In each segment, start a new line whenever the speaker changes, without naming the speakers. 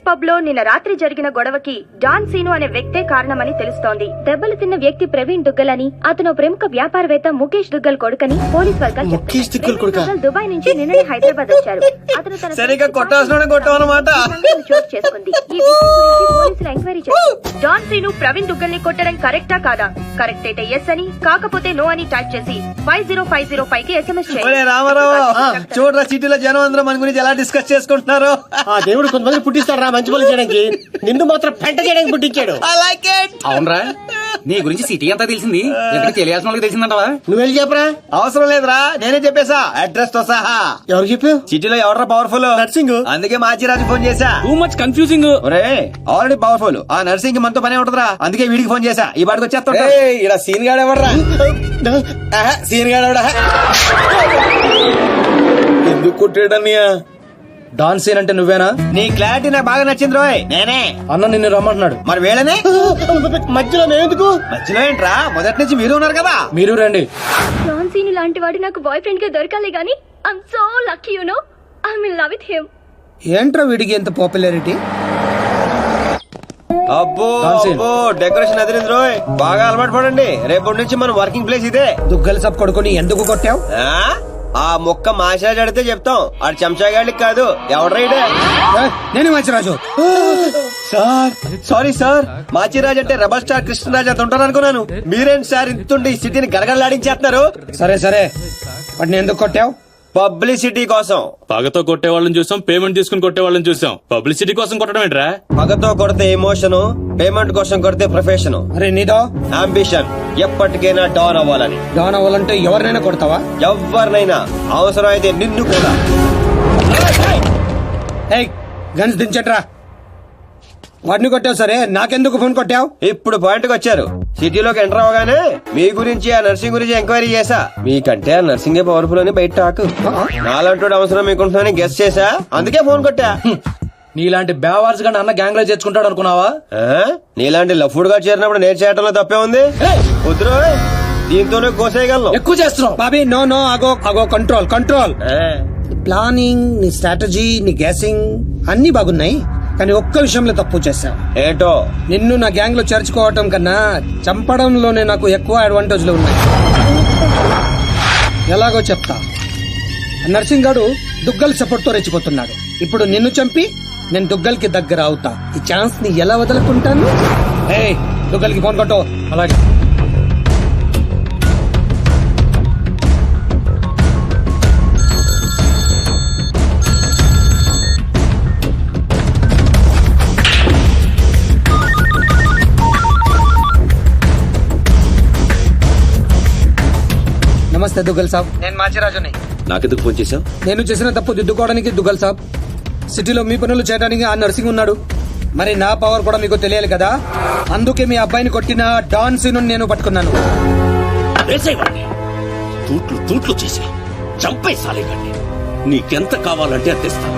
Pub లో నిన్న రాత్రి జరిగిన గొడవకి డాన్ సీను అనే వ్యక్తే కారణమని తెలుస్తోంది. దెబ్బలు తిన్న వ్యక్తి ప్రవీణ్ దుగ్గల్ అని, అతను ప్రముఖ వ్యాపారవేత్త ముఖేష్ దుగ్గల్ కొడుకని పోలీస్ వర్గాలు చెప్తున్నాయి. దుబాయ్ నుంచి నిన్ననే హైదరాబాద్ వచ్చారు. అతను తన చోటు చేసుకుంది. ఈ విషయం గురించి పోలీసులు ఎంక్వైరీ చేశారు. డాన్ సీను ప్రవీణ్ దుగ్గల్ ని కొట్టడం కరెక్టా కాదా? కరెక్ట్ అయితే ఎస్ అని, కాకపోతే నో అని టైప్ చేసి 50505 కి SMS చేయండి.
చూడరా సిటీలో జనం అందరూ మన గురించి ఎలా డిస్కస్ చేసుకుంటున్నారు.
దేవుడు కొంతమంది పుట్టిస్తాడు రా మంచి పనులు చేయడానికి, నిన్ను మాత్రం పెంట చేయడానికి పుట్టించాడు.
అవునరా, నీ గురించి సిటీ అంతా తెలిసింది, ఎక్కడ తెలియాల్సిన వాళ్ళకి తెలిసిందంటవా?
నువ్వు వెళ్ళి చెప్పరా.
అవసరం లేదురా, నేనే చెప్పేశా అడ్రస్ తో సహా.
ఎవరు చెప్పావు?
సిటీలో ఎవరా పవర్ఫుల్?
నర్సింగ్.
అందుకే మాచిరాజు ఫోన్ చేశా.
Too much confusing.
Already powerful, ఆ నర్సింగ్ మనతో పనే ఉంటదిరా, అందుకే వీడికి ఫోన్ చేశా. ఈ బాడికి వచ్చేస్తా.
ఇలా సీన్ గాడు ఎవడరా? సీన్ గాడు ఎవడా? ఎందుకు కొట్టాడన్నయ్యా?
డాన్ సీన్ అంటే నువ్వేనా? నీ క్లారిటీ నాకు బాగా నచ్చింది రోయ్. నేనే.
అన్న నిన్ను రమ్మంటున్నాడు.
మరి వేళనే
మధ్యలో నేందుకు?
మధ్యలో ఏంట్రా, మొదటి నుంచి మీరు ఉన్నారు కదా.
మీరు రండి.
డాన్ సీను లాంటి వాడు నాకు బాయ్ ఫ్రెండ్ గా దొరకాలి గానీ I'm so lucky, you know, I'm in love with him.
ఏంట్రా వీడికి ఎంత పాపులారిటీ?
అబ్బో డెకరేషన్ అదిరింది రోయ్, బాగా అలవాటు పడండి. రేపటి నుంచి మన వర్కింగ్ ప్లేస్ ఇదే.
దుగ్గల సబ్ కొడుకుని ఎందుకు కొట్టావు?
ఆ మొక్క మాసిరాజు అడితే చెప్తాం, ఆడు చెంచాగాడికి కాదు. ఎవడ్రైడే?
నేను Machiraju.
Sir sorry sir, Machiraju అంటే రెబల్ స్టార్ కృష్ణరాజు అంత ఉంటారు అనుకున్నాను. మీరేంటి సార్ ఇంతుండి ఈ సిటీని గడగడలాడించేస్తున్నారు?
సరే సరే, వాటిని ఎందుకు కొట్టావు?
పబ్లిసిటీ కోసం.
పగతో కొట్టే వాళ్ళని చూసాం, పేమెంట్ తీసుకుని కొట్టే వాళ్ళని చూసాం. పబ్లిసిటీ కోసం కొట్టడం ఏంట్రా?
పగతో కొడితే ఎమోషన్, పేమెంట్ కోసం కొడితే ప్రొఫెషన్.
అరే నీదో
అంబిషన్ ఎప్పటికైనా డాన్ అవ్వాలని.
డాన్ అవ్వాలంటే ఎవరినైనా కొడతావా?
ఎవరినైనా, అవసరం అయితే నిన్ను కూడా.
గన్స్ దించట్రా. వాడిని కొట్టావు సరే, నాకెందుకు ఫోన్ కొట్టావు?
ఇప్పుడు పాయింట్కి వచ్చారు. సిటీలోకి ఎంటర్ అవగానే మీ గురించి, ఆ నర్సింగ్ గురించి ఎంక్వైరీ చేశా. మీకంటే ఆ నర్సింగే పవర్ఫుల్ అని బయట టాక్. నాలంటూ అవసరం మీకుంటుందని గెస్ చేశా, అందుకే ఫోన్ కొట్టా.
నీలాంటి బేవార్స్ గా అన్న గ్యాంగ్ లో చేర్చుకుంటాడు అనుకున్నావా?
నీలాంటి లఫ్డ్ గా చేరినప్పుడు నేను చేయటంలో తప్పే ఉంది. వద్దురో, దీంతోనే కోసేయగలను.
ఎక్కువ చేస్తున్నావు బాబీ. నో నో, అగో అగో, కంట్రోల్ కంట్రోల్. ప్లానింగ్, నీ స్ట్రాటజీ, నీ గ్యాసింగ్ అన్ని బాగున్నాయి, కానీ ఒక్క విషయంలో తప్పు చేశావు.
ఏంటో?
నిన్ను నా గ్యాంగ్ లో చేర్చుకోవటం కన్నా చంపడంలోనే నాకు ఎక్కువ అడ్వాంటేజ్లు ఉన్నాయి. ఎలాగో చెప్తా. నర్సింగ్ గాడు దుగ్గల్ సపోర్ట్ తో రెచ్చిపోతున్నాడు. ఇప్పుడు నిన్ను చంపి నేను దుగ్గల్ కి దగ్గర అవుతా. ఈ ఛాన్స్ ని ఎలా వదులుకుంటాను? దుగ్గల్ కి ఫోన్ కొట్టు. అలాగే. నమస్తే దుగ్గల్ సాబ్, నేను మాచిరాజుని.
నాకెందుకు ఫోన్ చేశావు?
నేను చేసిన తప్పు దిద్దుకోవడానికి దుగ్గల్ సాబ్, సిటీలో మీ పనులు చేయడానికి ఆ నర్సింగ్ ఉన్నాడు. మరి నా పవర్ కూడా మీకు తెలియాలి కదా, అందుకే మీ అబ్బాయిని కొట్టిన డాన్ సీను నేను పట్టుకున్నాను.
తూట్లు తూట్లు చేసి చంపే సాలేకండి. నీకెంత కావాలంటే అంత ఇస్తాను.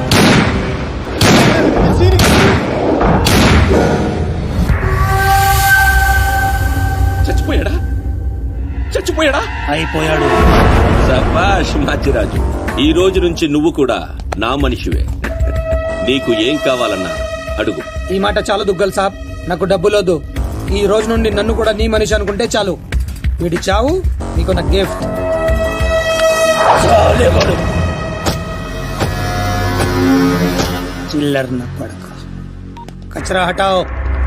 చచ్చిపోయాడా? చచ్చిపోయాడా?
అయిపోయాడు.
శభాష్ మాచిరాజు, ఈ రోజు నుంచి నువ్వు కూడా నా మనిషివే. నీకు ఏం కావాలన్నా అడుగు.
ఈ మాట చాలు దుగ్గల్ సాబ్, నాకు డబ్బులోదు. ఈ రోజు నుండి నన్ను కూడా నీ మనిషి అనుకుంటే చాలు. వీడి చావు నీకు నా గిఫ్ట్. చిల్లర్ నా పడక. కచరా హటాओ.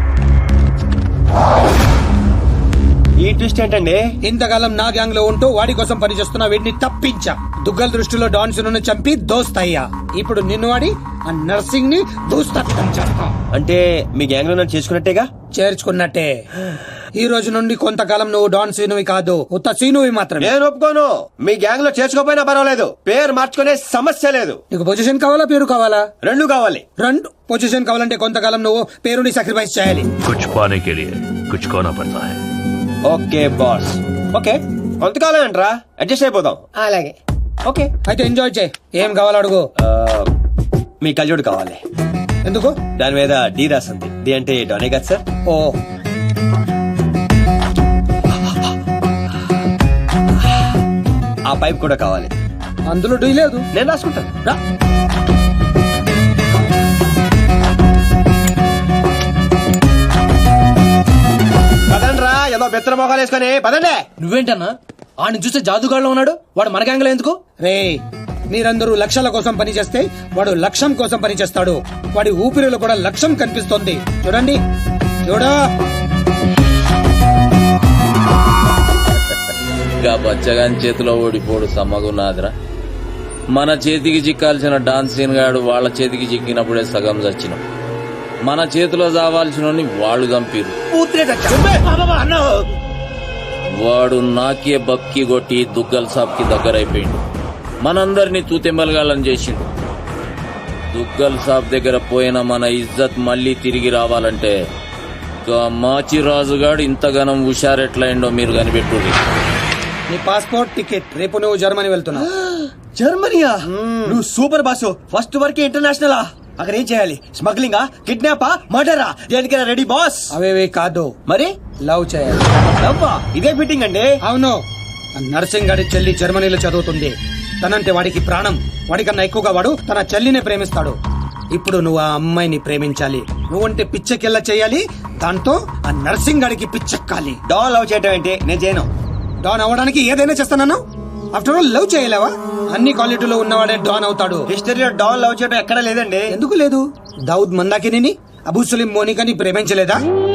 ఈ ట్విస్ట్ ఏంటండి?
ఇంతకాలం నా గ్యాంగ్ లో ఉంటూ వాడి కోసం పనిచేస్తున్న వీడిని తప్పించా. దుగ్గల్ దృష్టిలో డాన్ సీనుని చంపి దోస్తయ్యా. ఇప్పుడు నిన్ను వాడి ఆ నర్సింగ్ ని దూస్తత్వం చేస్తా.
అంటే మీ గ్యాంగ్ లో నన్ను చేసుకున్నట్టేగా?
చేర్చుకున్నట్టే. ఈ రోజు నుండి కొంతకాలం నువ్వు డాన్ సీనువి కాదు, ఉత్త సీనువి మాత్రమే.
నేను ఒప్పుకోను. మీ గ్యాంగ్ లో చేర్చుకోపోయినా పర్వాలేదు, పేరు మార్చుకునే సమస్య లేదు.
నీకు పొజిషన్ కావాలా, పేరు కావాలా?
రెండు కావాలి.
రెండు. పొజిషన్ కావాలంటే కొంతకాలం నువ్వు పేరుని సాక్రిఫైస్ చేయాలి.
कुछ पाने के लिए कुछ खोना पड़ता है.
Okay boss. ఓకే, కొంతకాలం ఏంట్రా, అడ్జస్ట్ అయిపోదాం.
అలాగే.
ఓకే,
అయితే ఎంజాయ్ చేయి. ఏం కావాలో అడుగు.
మీ కళ్ళజోడు కావాలి.
ఎందుకు?
దాని మీద డి రాసింది. డి అంటే డోనే కదా సార్?
ఓ,
ఆ పైప్ కూడా కావాలి.
అందులో డీ లేదు.
నేను రాసుకుంటాను.
రా.
పెత్తన మొఖాలు వేసుకొని పదండి.
నువ్వేంటన్నా ఆడిని చూస్తే జాదుగాడులో ఉన్నాడు, వాడు మన గ్యాంగ్లో ఎందుకు?
రే మీరందరూ లక్ష్యాల కోసం పనిచేస్తే వాడు లక్ష్యం కోసం పనిచేస్తాడు. వాడి ఊపిరిలో కూడా లక్ష్యం కనిపిస్తోంది. చూడండి చూడా.
ఇంకా బచ్చగాని చేతిలో ఓడిపోడు సమ్మగున్నాదిరా. మన చేతికి చిక్కాల్సిన డాన్స్ సీన్ గాడు వాళ్ళ చేతికి చిక్కినప్పుడే సగం చచ్చినాం. మన చేతిలో చావాల్సిన వాళ్ళు చంపిరు. వాడు నాకే బక్కి కొట్టి దుగ్గల్ సాబ్ కి దగ్గరైపోయిండు. మనందరినీ తూతెంబలగాలని చేసిండు. దుగ్గల్ సాబ్ దగ్గర పోయిన మన ఇజ్జత్ మళ్ళీ తిరిగి రావాలంటే మాచిరాజుగాడు ఇంతగానం హుషారెట్లయిండో మీరు కనిపెట్టుర్రి.
నీ పాస్పోర్ట్ టికెట్, రేపు నువ్వు జర్మనీ వెళ్తున్నావు.
జర్మనీయా? నువ్వు సూపర్ బాసు. ఫస్ట్ వరకు ఇంటర్నేషనలా? అక్కడ ఏం చేయాలి? స్మగ్లింగా, కిడ్నాపా, మర్డరా? దేనికైనా రెడీ బాస్.
అవేవే కాదు,
మరి
లవ్ చేయాలి.
లవ్వా? ఇదే ఫిట్టింగ్ అండి.
అవును, నర్సింగ్ గారి చెల్లి జర్మనీలో చదువుతుంది. తనంటే వాడికి ప్రాణం. వాడికన్నా ఎక్కువగా వాడు తన చెల్లినే ప్రేమిస్తాడు. ఇప్పుడు నువ్వు ఆ అమ్మాయిని ప్రేమించాలి. నువ్వంటే పిచ్చెకెళ్ళ చేయాలి. దాంతో ఆ నర్సింగ్ గారికి పిచ్చెక్కాలి.
డాన్ లవ్ చేయటం ఏంటి? నేను చేయను.
డాన్ అవ్వడానికి ఏదైనా చేస్తాను. ఆఫ్టర్ ఆల్ లవ్ చేయలేవా? అన్ని క్వాలిటీలో ఉన్నవాడే డాన్ అవుతాడు.
హిస్టరీలో డాన్ లవ్ చేయడం ఎక్కడా లేదండి.
ఎందుకు లేదు? దావుద్ మందాకిని, అబూ సలీం మోనికాని ప్రేమించలేదా?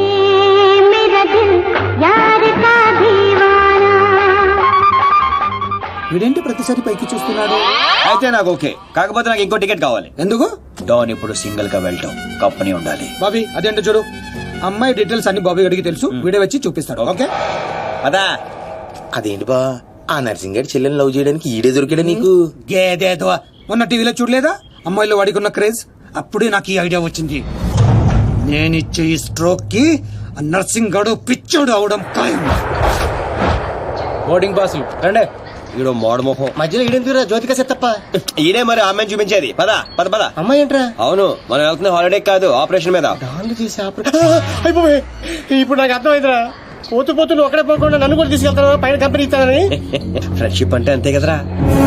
వీడేంటి ప్రతిసారి పైకి చూస్తున్నాడు?
అయితే నాకు ఓకే. కాకపోతే నాకు ఇంకో టికెట్ కావాలి.
ఎందుకు?
డాన్ ఇప్పుడు సింగిల్ గా వెళ్ళటం, కంపెనీ ఉండాలి.
బాబీ అదేంటో చూడు. అమ్మాయి డీటెయిల్స్ అన్ని బాబీ గడికి తెలుసు. వీడియో వచ్చి చూపిస్తాడు. ఓకే
అదా?
అదేంటి బా, ఆ నర్సింగ్ గారి చెల్లెని లవ్ చేయడానికి ఈడే దొరికాడా నీకు?
గేదేదో మొన్న టీవీలో చూడలేదా అమ్మాయిలో వాడికి ఉన్న క్రేజ్? అప్పుడే నాకు ఈ ఐడియా వచ్చింది. నేనిచ్చే ఈ స్ట్రోక్ కి ఆ నర్సింగ్ గడు పిచ్చోడు అవడం ఖాయం.
బోర్డింగ్ పాసులు రండే.
ఈడో మోడ మొహం.
మధ్యలో ఈడెందుకురా జ్యోతిక సెత్తప్ప?
ఈడే మరి అమ్మాయిని చూపించేది. పద పద పద.
అమ్మాయి ఏంట్రా?
అవును, మనం వెళ్తున్న హాలిడే కాదు, ఆపరేషన్ మీద.
డాన్లు చేసి అయిపోయి ఇప్పుడు నాకు అర్థమైందిరా. పోతూ పోతూ నువ్వు అక్కడే పోకుండా నన్ను కూడా తీసుకెళ్తాను, పైన కంపెనీ ఇస్తానని.
ఫ్రెండ్షిప్ అంటే అంతే కదరా.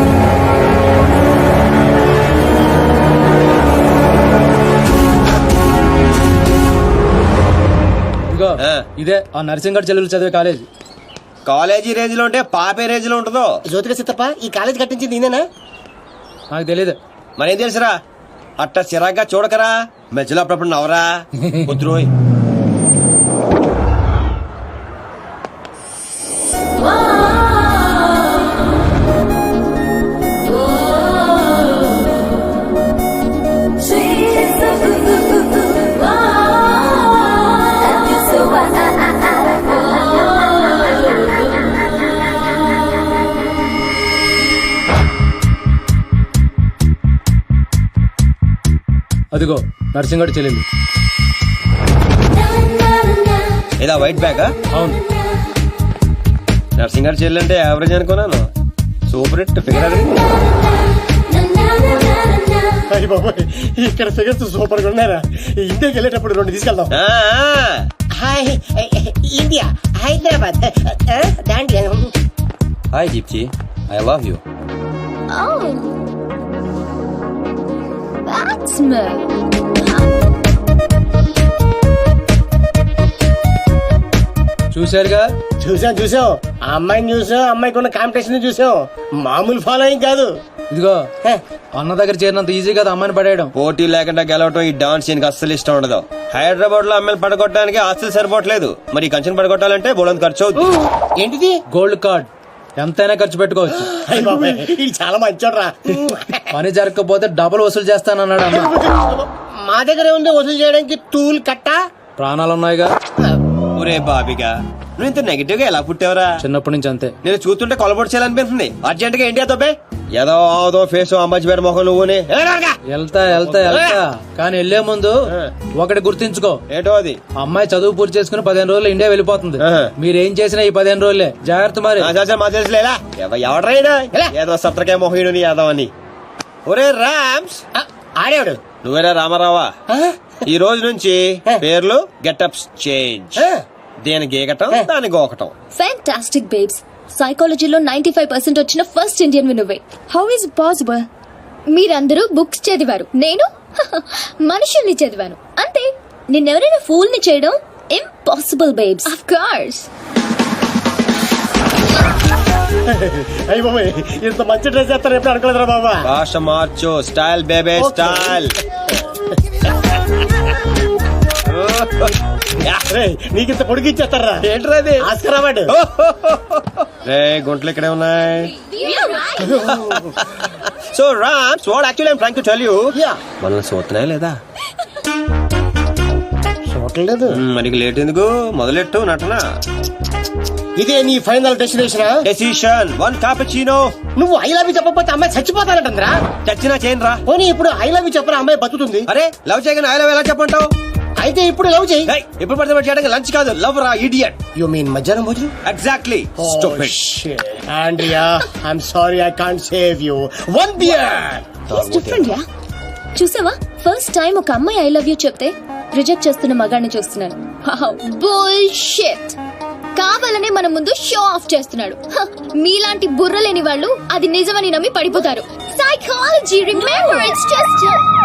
ఇదిగో ఇదే ఆ నర్సింగ్ గారి చెల్లెలు చదివే కాలేజ్.
కాలేజీ రేంజ్ లో ఉంటే పాపే రేంజ్ లో ఉంటుందో.
జ్యోతిక సెత్తప్ప ఈ కాలేజ్ కట్టించింది నేనేనా?
నాకు తెలియదు.
మరేం తెలుసురా? అట్ట చిరాగ్గా చూడకరా. మధ్యలో అప్పుడప్పుడు నవరా. కుదురోయ్.
అదిగో నర్సింగ్ గారి చెల్లెలు.
ఇలా వైట్ బ్యాగ్.
అవును,
నర్సింగ్ గారి చెల్లి అంటే యావరేజ్ అనుకున్నాను. Super hit figure.
అయ్యి బాబాయ్, ఇక్కడ ఫిగర్స్ సూపర్ గా ఉన్నారా? ఇండియాకి వెళ్ళేటప్పుడు 2 తీసుకెళ్దాం. Hi India, Hyderabad.
Hi Deepti, I love you.
చూశారుగా?
చూసాం. ఆ అమ్మాయిని చూసాం, అమ్మాయికి ఉన్న కాంపిటీషన్ చూసాం. మామూలు ఫాలోయింగ్ కాదు.
ఇదిగో అన్న దగ్గర చేరినంత ఈజీ కదా అమ్మాయిని పడేయడం.
పోటీ లేకుండా గెలవటం ఈ డాన్స్ సీన్ కి అస్సలు ఇష్టం ఉండదు. హైదరాబాద్ లో అమ్మాయిలు పడగొట్టడానికి ఆస్తులు సరిపోవట్లేదు. మరి ఈ కంచెను పడగొట్టాలంటే బోళంత ఖర్చు అవుతుంది.
ఏంటిది?
Gold card. ఎంతైనా ఖర్చు పెట్టుకోవచ్చు.
అయ్య బాబాయ్, ఇది చాలా మంచోడ్రా.
పని జరగకపోతే డబుల్ వసూలు చేస్తానన్నాడు అన్న.
మా దగ్గర ఉంది వసూలు చేయడానికి టూల్ కట్ట.
ప్రాణాలున్నాయిగా.
ఒరే బాబిగా, నువ్వు ఇంత నెగిటివ్ గా ఎలా పుట్టావరా?
చిన్నప్పటి నుంచి అంతే.
నేను చూస్తుంటే కొలబొట్టు చేయాలనిపిస్తుంది. అర్జెంట్ గా ఏంటి అదొబ్బే? ఏదో ఆదో ఫేస్ అమ్మాయి మొహం నువ్వునే.
వెళ్తా కానీ వెళ్లే ముందు ఒకటి గుర్తించుకో.
ఏంటో అది?
అమ్మాయి చదువు పూర్తి చేసుకుని 15 రోజులు ఇండియా వెళ్ళిపోతుంది. మీరేం చేసినా ఈ 15 రోజులే జాగ్రత్త. మరి
మా తెలుసులేలా ఎవడరైనా ఏదో సత్రకాయ మొహీడు యాదో అని. ఒరే రామ్స్,
ఆడేవాడు
నువ్వేరా రామారావా? ఈ రోజు నుంచి పేర్లు గెటప్స్ చేంజ్. దేని గీకటం, దాని గోకటం.
Fantastic babes. సైకాలజీలో 95% వచ్చిన ఫస్ట్ ఇండియన్ నువ్వే. How is possible? మీరందరూ బుక్స్ చదివారు, నేను మనుషుల్ని చదివాను. అంతే. నిన్నెవరైనా ఫూల్ ని చేయడం ఇంపాసిబుల్ బేబ్స్. Of course.
అయ్యి బాబాయ్ ఇంత మంచి డ్రెస్ చేస్తారు ఎప్పుడు అనుకోలేదురా బాబా.
భాష మార్చు, స్టైల్ బేబే స్టైల్.
రేయ్, నీకింత పొడిగి ఇచ్చేస్తారా?
ఏంట్రా అది?
Oscar award.
రే గుంటలు ఇక్కడే ఉన్నాయి. So Ram, what actually I'm trying to tell you, మనల్ని చూస్తున్నాయా లేదా?
చూడలేదు.
మరి లేట్ ఎందుకు, మొదలెట్టు నటన.
ఇదే నీ ఫైనల్ డెస్టినేషన్?
Decision 1 cappuccino.
నువ్వు ఐ లవ్ యూ చెప్పకపోతే అమ్మాయి చచ్చిపోతానంటరా.
చచ్చినా చేయను రా.
పోనీ ఇప్పుడు ఐ లవ్ యూ చెప్పరా అమ్మాయి బతుకుతుంది.
అరే లవ్ చేయగానే ఐ లవ్ ఎలా చెప్పంటావు?
అయితే ఇప్పుడు లవ్ చేయి.
ఇప్పుడు పడితే చేయడానికి లంచ్ కాదు, లవ్ రా ఇడియట్.
యు మీన్ మధ్యాహ్నం భోజనం?
Exactly.
Andrea, I'm sorry I can't save you. 1 beer.
Different yeah. చూసావా, ఫస్ట్ టైం ఒక అమ్మాయి ఐ లవ్ యూ చెప్తే రిజెక్ట్ చేస్తున్న మగాడిని చూస్తున్నాను. బుల్షిట్. కావాలనే మన ముందు షో ఆఫ్ చేస్తున్నాడు. హ, మీలాంటి బుర్ర లేని వాళ్ళు అది నిజమని నమ్మి పడిపోతారు. Psychology, remember it's just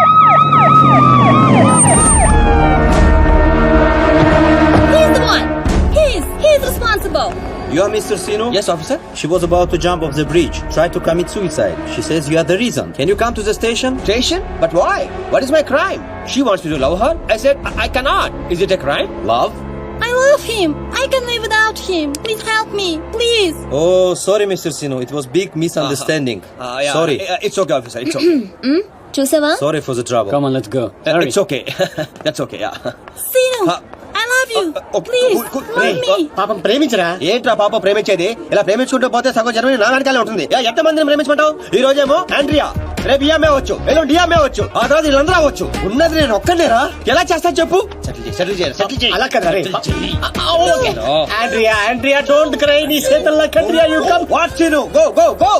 he's the one. He's responsible.
You are Mr. Sino?
Yes, officer.
She was about to jump off the bridge, tried to commit suicide. She says you are the reason. Can you come to the station?
Station? But why? What is my crime? She wants me to love her. I said I cannot. Is it a crime?
Love?
I love him. I can live without him. Please help me, please.
Oh, sorry, Mr. Sino. It was big misunderstanding.
Yeah,
Sorry.
It's okay, officer. It's okay.
చూసావా?
Sorry for the trouble.
Come on, let's go.
It's okay. That's okay. Yeah.
Sino, I love you. Please, help me.
పాపం ప్రేమించరా.
ఏంట్రా పాప ప్రేమించేది? ఇలా ప్రేమించుకుంటూ పోతే సగం Germany నా వెనకాలే ఉంటుంది. ఎంత మందిని ప్రేమించమంటావు? ఈ రోజేమో ఆండ్రియా, రేపు ఈఎంఏ అవచ్చు, ఎల్లుండి డిఎంఏ అవచ్చు, ఆ తర్వాత వీళ్ళందరూ అవచ్చు. ఉన్నది నేను ఒక్కనేరా. ఎలా చేస్తా చెప్పు? సెటిల్ చేయి.
అలా కదా రే. Andrea, Andrea don't cry. నీ చేతల్లో కండ్రియా you come.
What scene? Go.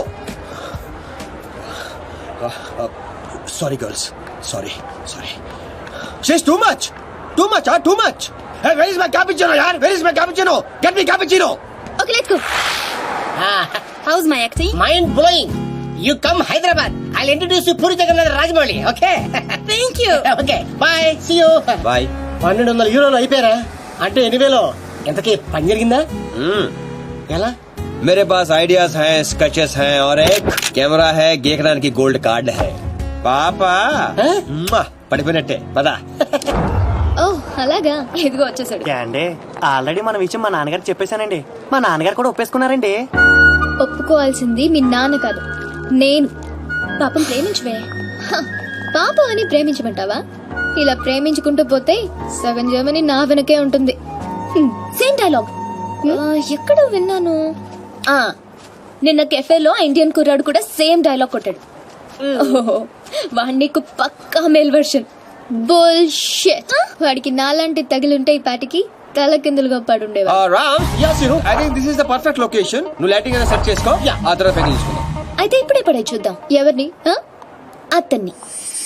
Sorry girls. Sorry. She's too much. Hey, where is my cappuccino, yaar? Where is my cappuccino? Get me cappuccino.
Okay, let's go. How's my acting?
Mind blowing. You come Hyderabad. I'll introduce you Puri Jagannath Rajamouli. Okay.
Thank you.
Okay bye, see you.
Bye.
1200 యూరోలు అయిపోయారా? అంటే 8,000. ఎంతకీ పని జరిగిందా? ఎలా?
मेरे पास ideas हैं, sketches हैं और एक कैमरा है. गेकरान की गोल्ड कार्ड है. పాపా పడిపోయినట్టే పదా.
ఓ అలాగా, ఇదిగో వచ్చేసాడు.
అండి ఆల్రెడీ మన విషయం మా నాన్నగారు చెప్పేశానండి. మా నాన్నగారు కూడా ఒప్పేసుకున్నారండి.
ఒప్పుకోవాల్సింది మీ నాన్న కాదు, నేను. పాపం ప్రేమించవే. హ, పాపం అని ప్రేమించమంటావా? ఇలా ప్రేమించుకుంటూ పోతే సగం జర్మనీ నా వెనకే ఉంటుంది. సేమ్ డైలాగ్ ఎక్కడో విన్నాను. నిన్న కెఫేలో ఇండియన్ కుర్రాడు కూడా సేమ్ డైలాగ్ కొట్టాడు. వాడి నీకు పక్కా మేల్ వర్షన్. బుల్షిట్. వాడికి నాలాంటి తగిలుంటే ఈ పాటికి తల కిందులుగా పడుండేవా.
Ram, I think this is the perfect location. నువ్వు లైటింగ్ అయినా సెట్ చేసుకో, ఆ తర్వాత పైకి తీసుకుందాం.
అయితే ఇప్పుడే పడే చూద్దాం. ఎవరిని? అతన్ని.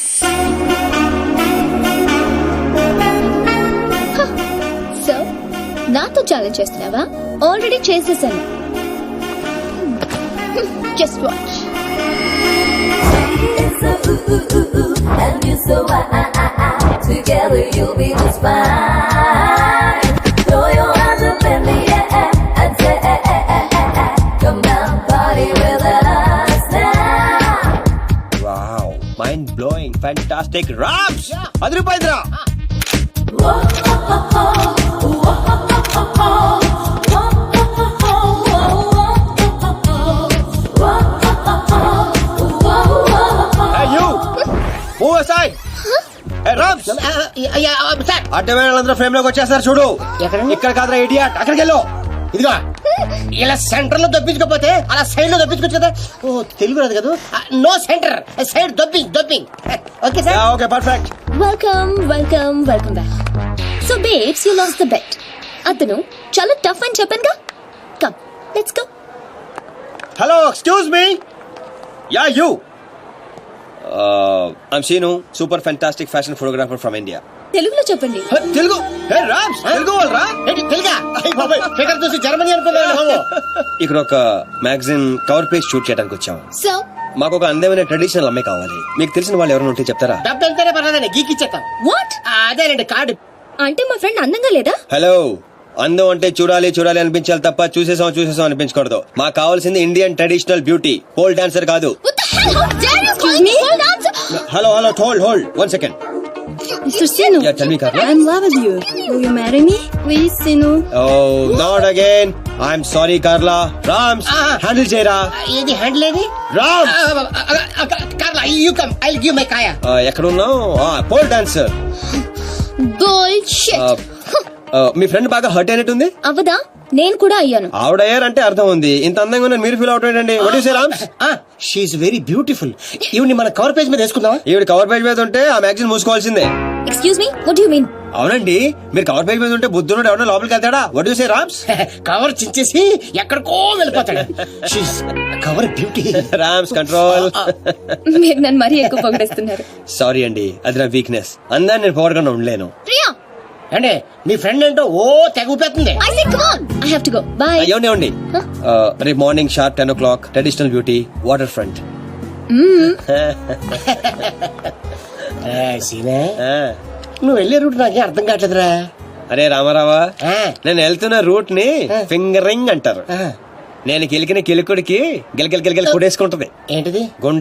సో నాతో ఛాలెంజ్ చేస్తున్నావా? ఆల్రెడీ చేసేసాను. Just watch.
And you so together you'll be just fine. Throw your hands up in the air and say, come down, party with us now.
Wow, mind blowing, fantastic. Rams, adrupaidra. Aside. Hey, Rams. అడ్డమైన వాళ్ళందరూ frame లోకి వచ్చేస్తారు చూడు. ఇక్కడ కాదురా idiot, అక్కడికి వెళ్ళు.
ఇదిగో ఇలా సెంటర్ లో దొప్పించుకోపోతే అలా సైడ్ లో దొప్పించుకోవచ్చు కదా. ఓ తెలుగు రాదు కదా. నో సెంటర్, సైడ్ దొప్పింగ్. Okay sir.
Okay perfect.
Welcome back. So babes, you lost the bet. అతను చాలా టఫ్ అని చెప్పానుగా. Come let's go.
Hello, excuse me. Yeah you. I'm Shinu, super fantastic fashion photographer from India.
తెలుగులో చెప్పండి.
తెలుగు? హే రామ్స్, తెలుగు వాళ్ళరా?
ఏంటి తెలుగా? అయ్య బాబాయ్, ఫిగర్ చూసి జర్మనీ అనుకున్నాను బాబు.
ఇక్కడ ఒక మ్యాగజైన్ కవర్ పేజ్ షూట్ చేయడానికి వచ్చాం.
సో
మాకు ఒక అందమైన ట్రెడిషనల్ అమ్మాయి కావాలి. మీకు తెలిసిన వాళ్ళు ఎవరైనా ఉంటే చెప్తారా?
డబ్బు ఎంతైనా పర్లేదండి, గీకిచ్చేస్తాం.
వాట్?
అదేనండి కార్డు.
అంటే మా ఫ్రెండ్ అందంగా లేదా?
హలో, అందం అంటే చూడాలి చూడాలి అనిపించాలి తప్ప చూసేసాం అనిపించకూడదు. మాకు కావాల్సింది Indian traditional beauty, pole dancer కాదు. Hello hold 1 second.
Mr. Sinu,
Yeah, tell me, Carla.
I'm in love with you. Will you marry me? Please, Sinu.
Oh, not again. I'm sorry, Carla. Rams, handle చేయరా.
ఏది handle ఏది?
Rams,
Carla you come I give my కాయా.
ఎక్కడ ఉన్నావు? Pole dancer.
Bullshit.
మీ friend బాగా hurt అయినట్టుంది.
అవదా? నేను కూడా అయ్యాను.
ఆవిడయ్యారంటే అర్థం ఉంది. ఇంత అందంగా ఉన్న మీరు ఫీల్ అవుట్ ఏంటండి? What you say Rams?
She's very beautiful. ఈవిని మన కవర్ పేజ్ మీద వేసుకుందామా?
ఈవిడ కవర్ పేజ్ మీద ఉంటే ఆ మ్యాగజైన్ మూసుకోవాల్సిందే.
Excuse me, what do you mean?
అవునండి, మీరు కవర్ పేజ్ మీద ఉంటే బుద్ధుడు ఎవరైనా లోపలికి వెళ్తాడా? What you say Rams?
Cover చించేసి ఎక్కడికో వెళ్ళిపోతాడు. She's cover beauty.
Rams control.
మీరు నన్ను మరీ ఎక్కువ పొగిడేస్తున్నారు.
సారీ అండి, అది నా వీక్నెస్. అందాన్ని నేను పొగడకుండా ఉండలేను.
ప్రియా,
అంటే మీ ఫ్రెండ్ ఏంటో ఓ తెగ ఊపేస్తుంది.
I say come on. I have to go. Bye.
ఏమండి రేపు morning sharp 10 o'clock traditional beauty water front.
సీనే నువ్వు వెళ్ళే రూట్ నాకే అర్థం కావట్లేదురా.
అరే రామారావా, నేను వెళ్తున్న రూట్ ని ఫింగరింగ్ అంటారు. నేను కిలికిన కిలుకుడికి గిలగిల కొడేసుకుంటది.
ఏంటిది?